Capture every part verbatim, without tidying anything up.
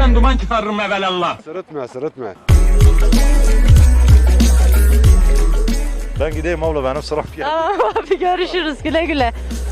tependen duman çıkarırım evelallah. Sırıtma, sırıtma. Ben gideyim abla, benim sıram geldi. Tamam abi, görüşürüz, güle güle.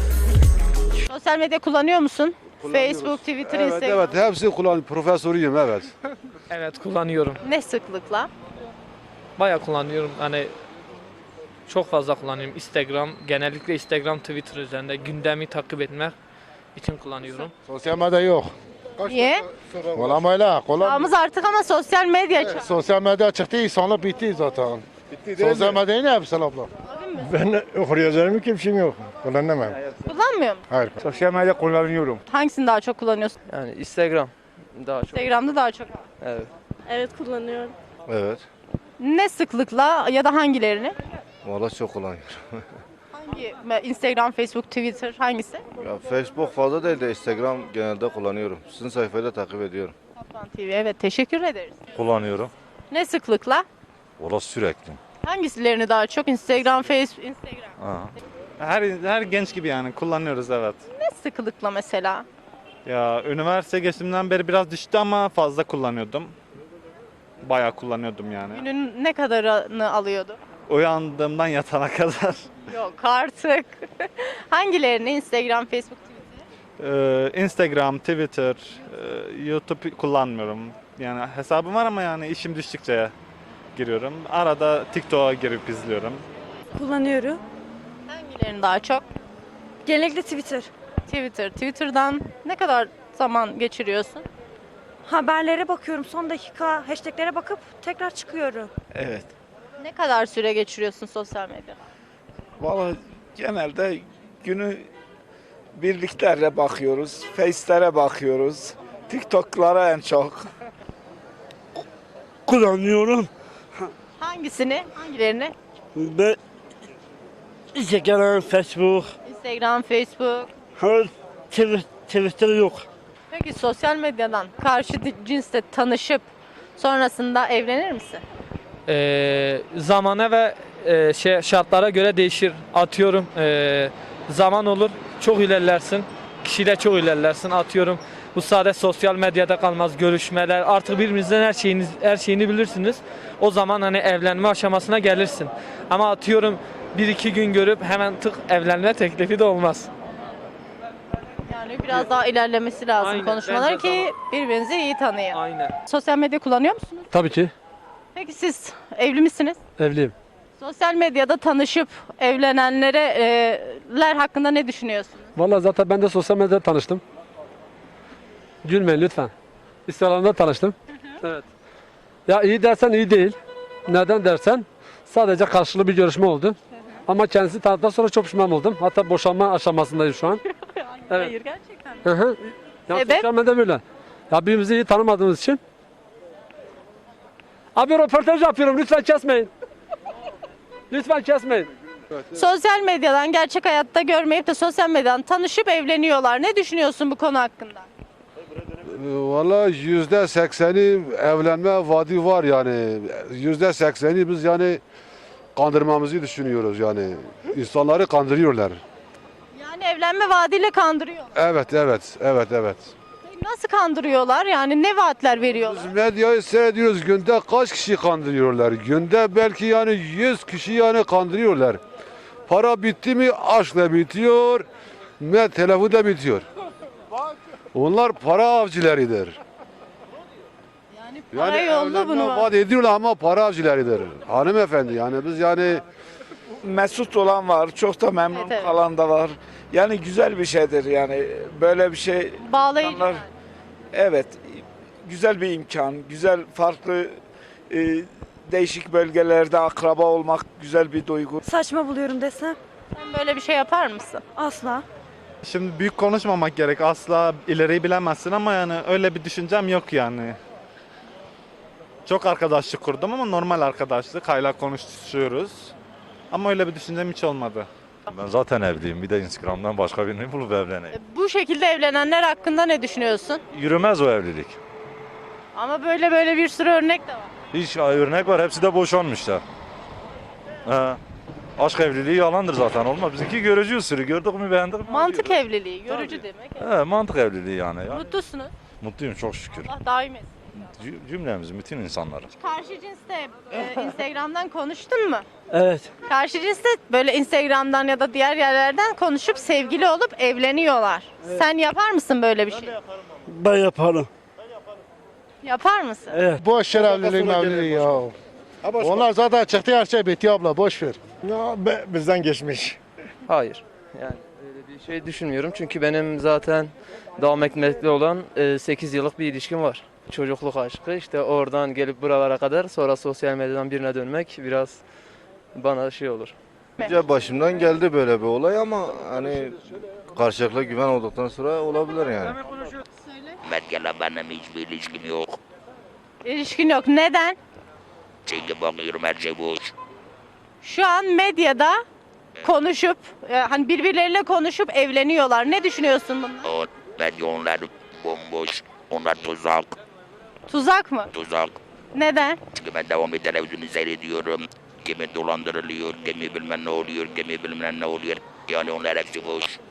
Sosyal medya kullanıyor musun? Facebook, Twitter, Evet, Instagram. evet, hepsi kullan. Profesörüyüm, evet. Evet, kullanıyorum. Ne sıklıkla? Bayağı kullanıyorum. Hani çok fazla kullanıyorum. Instagram, genellikle Instagram, Twitter üzerinde gündemi takip etmek için kullanıyorum. Sosyal medya yok. Niye? Olamayla. Kolay. Çağımız artık ama sosyal medya çağı. Sosyal medya çıktı, insanlık bitti zaten. Bitti Sosyal medyayı ne yapsın abla? Ben okuryazarım kimsim yok. Kullanamam. Kullanmıyor musun? Hayır. Sosyal medya kullanıyorum. Hangisini daha çok kullanıyorsun? Yani Instagram daha çok. Instagram'da daha çok. Evet. Evet, kullanıyorum. Evet. Ne sıklıkla ya da hangilerini? Vallahi çok kullanıyorum. Hangi? Instagram, Facebook, Twitter hangisi? Ya Facebook fazla değil de Instagram genelde kullanıyorum. Sizin sayfayı da takip ediyorum. Kaplan T V, evet, teşekkür ederiz. Kullanıyorum. Ne sıklıkla? Vallahi sürekli. Hangisilerini daha çok? Instagram, Facebook, Instagram. Ha. Her her genç gibi yani kullanıyoruz, evet. Ne sıklıkla mesela? Ya üniversite geçtiğimden beri biraz düştü ama fazla kullanıyordum. Bayağı kullanıyordum yani. Günün ne kadarını alıyordu? Uyandığımdan yatana kadar. Yok artık. Hangilerini? Instagram, Facebook, Twitter. Ee, Instagram, Twitter, e, YouTube kullanmıyorum. Yani hesabım var ama yani işim düştükçe giriyorum. Arada TikTok'a girip izliyorum. Kullanıyorum. Hangilerini daha çok? Genellikle Twitter. Twitter. Twitter'dan ne kadar zaman geçiriyorsun? Haberlere bakıyorum. Son dakika hashtaglere bakıp tekrar çıkıyorum. Evet. Ne kadar süre geçiriyorsun sosyal medyada? Vallahi genelde günü birliklerle bakıyoruz. Face'lere bakıyoruz. TikTok'lara en çok. Kullanıyorum. Hangisini? Hangilerini? Ben Instagram, Facebook, Instagram, Facebook. her Twitter yok. Peki sosyal medyadan karşı di- cinsle tanışıp sonrasında evlenir misin? Ee, zamana ve e, şey şartlara göre değişir. Atıyorum e, zaman olur, çok ilerlersin. Kişiyle çok ilerlersin. Atıyorum bu sadece sosyal medyada kalmaz. Görüşmeler, artık birbirinizden her şeyiniz her şeyini bilirsiniz. O zaman hani evlenme aşamasına gelirsin. Ama atıyorum bir iki gün görüp hemen tık evlenme teklifi de olmaz. Yani biraz daha ilerlemesi lazım Aynen, konuşmalar bence ki birbirinizi iyi tanıyın. Aynen. Sosyal medya kullanıyor musunuz? Tabii ki. Peki siz evli misiniz? Evliyim. Sosyal medyada tanışıp evlenenlere e, ler hakkında ne düşünüyorsunuz? Vallahi zaten ben de sosyal medyada tanıştım. Gülmeyin lütfen. Instagram'da tanıştım. Evet. Ya iyi dersen iyi değil. Neden dersen sadece karşılıklı bir görüşme oldu. Ama kendisi tanıdıktan sonra çok pişman oldum. Hatta boşanma aşamasındayım şu an. Evet. Hayır, gerçekten. Hı hı. Ya Sebep? sosyal medya böyle. Ya birbirimizi iyi tanımadığımız için. Abi röportaj yapıyorum, lütfen kesmeyin. Lütfen kesmeyin. Sosyal medyadan gerçek hayatta görmeyip de sosyal medyadan tanışıp evleniyorlar. Ne düşünüyorsun bu konu hakkında? Valla yüzde sekseni evlenme vaadi var yani. Yüzde sekseni biz yani kandırmamızı düşünüyoruz yani. İnsanları kandırıyorlar. Yani evlenme vaadiyle kandırıyor. Evet, evet, evet, evet. Peki nasıl kandırıyorlar? Yani ne vaatler veriyorlar? Biz medyayı seyrediyoruz. Günde kaç kişi kandırıyorlar? Günde belki yani yüz kişi yani kandırıyorlar. Para bitti mi aşkla bitiyor, ne telefon da bitiyor. Onlar para avcılarıdır. Yani para Yani yollu evlenme bunu. vaat ediyorlar ama para avcılarıdır. Hanımefendi yani biz yani Mesut olan var, çok da memnun Evet, evet. kalan da var. Yani güzel bir şeydir yani. Böyle bir şey Bağlayıcı. insanlar- yani. Evet, güzel bir imkan, güzel farklı e, değişik bölgelerde akraba olmak güzel bir duygu. Saçma buluyorum desem. Sen böyle bir şey yapar mısın? Asla. Şimdi büyük konuşmamak gerek. Asla ileriyi bilemezsin ama yani öyle bir düşüncem yok yani. Çok arkadaşlık kurdum ama normal arkadaşlık. Hala konuşuyoruz. Ama öyle bir düşüncem hiç olmadı. Ben zaten evliyim. Bir de Instagram'dan başka birini bulup evleneyim. E, Bu şekilde evlenenler hakkında ne düşünüyorsun? Yürümez o evlilik. Ama böyle böyle bir sürü örnek de var. Hiç örnek var. Hepsi de boşanmışlar. He. Aşk evliliği yalandır zaten, olmaz. Bizimki görücü usulü. Gördük mü beğendik mi? Mantık diyoruz. evliliği, görücü demek. He, mantık evliliği yani. yani. Mutlusunuz. Mutluyum çok şükür. Allah daim etsin. Cü- Cümlemiz, bütün insanlar. Karşı cinsle e, Instagram'dan konuştun mu? Evet. Karşı cinsle böyle Instagram'dan ya da diğer yerlerden konuşup sevgili olup evleniyorlar. Sen yapar mısın böyle bir şey? Ben yaparım. Yapar mısın? Evet. Boş ver evliliği mevliliği ya. Onlar zaten çıktı her şey bitti abla boş ver. Ya, be- bizden geçmiş. Hayır. Yani öyle bir şey düşünmüyorum. Çünkü benim zaten devam etmekte olan sekiz yıllık bir ilişkim var. Çocukluk aşkı. İşte oradan gelip buralara kadar sonra sosyal medyadan birine dönmek biraz bana şey olur. Başımdan geldi böyle bir olay ama hani karşılıklı güven olduktan sonra olabilir yani. Medyayla benim hiçbir ilişkim yok. İlişkin yok. Neden? Çünkü bakıyorum her şey boş. Şu an medyada konuşup e, hani birbirleriyle konuşup evleniyorlar. Ne düşünüyorsun bundan? O medya onlar bomboş. Onlar tuzak. Tuzak mı? Tuzak. Neden? Çünkü ben devamlı televizyonu seyrediyorum. Kimi dolandırılıyor, kimi bilmem ne oluyor, kimi bilmem ne oluyor. Yani onlar hepsi boş.